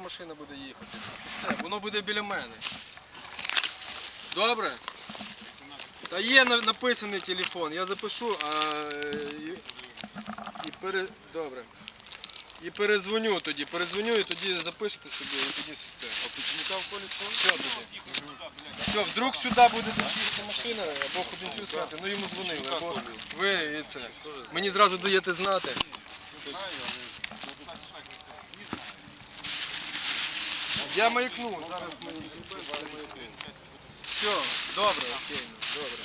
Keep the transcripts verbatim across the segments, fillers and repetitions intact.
машина буде їхати. Все, воно буде біля мене. Добре? Та є написаний телефон, я запишу, а і, і пере... Добре. І перезвоню тоді, перезвоню і тоді запишете собі, і тоді все. А починка в колі все тоді. Все, вдруг сюди буде їхати машина, або ходинцю сказати, ну йому дзвонили, або ви і це. Мені зразу даєте знати. Я маякну, зараз ми маякну. Все, добре, окей, добре.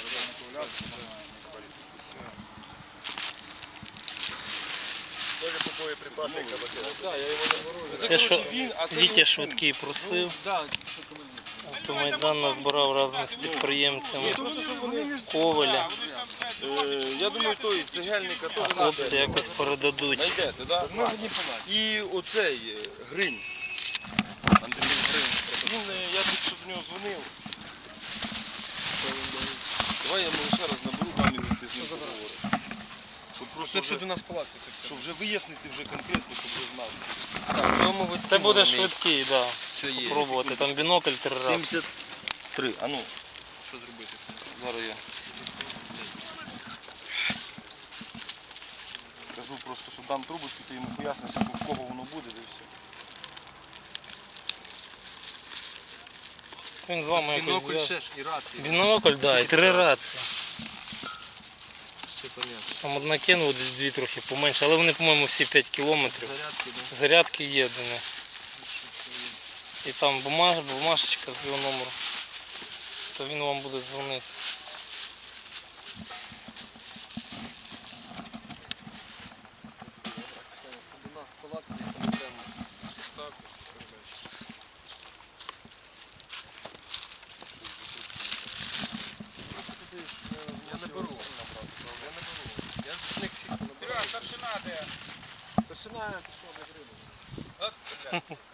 Тоже по боєприпаси, як Так, я його не ворожу. Те, що Вітя Швидкий просив, автомайдан назбирав разом з підприємцями Коваля. Я думаю, той цегельника теж Хлопці якось передадуть. знайдете, так? І оцей Гринь. Андрій Гринь. Він, я тут що до нього дзвонив. Давай я йому ще раз наберу, там і ти з ним поговориш. Щоб просто Це все вже, до нас палатки. щоб вже вияснити вже конкретно, щоб вже знати. Так, в цьому ви Це буде швидкий, так. Все є. Пробувати. Там бінокль три рази. сімдесят три, а ну, Що зробити? зараз я скажу просто, що дам трубочку, ти йому поясниш, в кого воно буде, і все. Він з вами якось Бінокль зв'яже. ще ж і рації. Бінокль, так, да, і три рації. Все понятно. Там одна кинула, десь дві трохи поменше, але вони, по-моєму, всі п'ять кілометрів. Зарядки, да? Зарядки є до них. І там бумаж, бумажечка з його номером. То він вам буде дзвонити. Це до нас палатки, там йдемо. Так, я не беру. Я не беру. Я з них всіх не беру. Серега, старшина де? Старшина, ти що, не гриба? От, блядь.